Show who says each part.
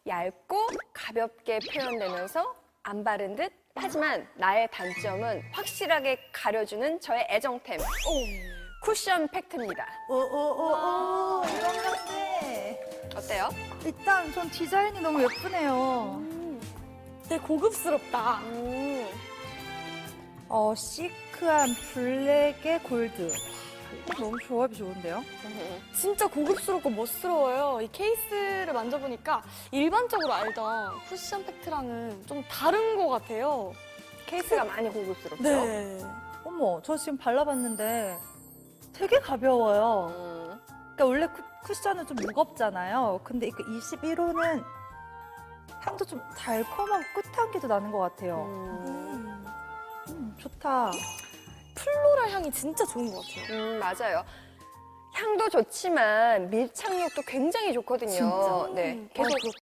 Speaker 1: 얇고 가볍게 표현되면서 안 바른 듯 하지만 나의 단점은 확실하게 가려주는 저의 애정템 쿠션 팩트입니다.
Speaker 2: 이런 건데.
Speaker 1: 어때요?
Speaker 2: 일단 전 디자인이 너무 예쁘네요.
Speaker 3: 되게 고급스럽다.
Speaker 2: 시크한 블랙에 골드. 너무 조합이 좋은데요?
Speaker 3: 진짜 고급스럽고 멋스러워요. 이 케이스를 만져보니까 일반적으로 알던 쿠션 팩트랑은 좀 다른 것 같아요.
Speaker 1: 케이스가 많이 고급스럽죠?
Speaker 3: 네.
Speaker 2: 어머, 저 지금 발라봤는데 되게 가벼워요. 그러니까 원래 쿠션은 좀 무겁잖아요. 근데 이거 21호는 향도 좀 달콤하고 끝향기도 나는 것 같아요. 좋다.
Speaker 3: 플로럴 향이 진짜 좋은 것 같아요.
Speaker 1: 맞아요. 향도 좋지만 밀착력도 굉장히 좋거든요.
Speaker 2: 진짜?
Speaker 1: 네, 계속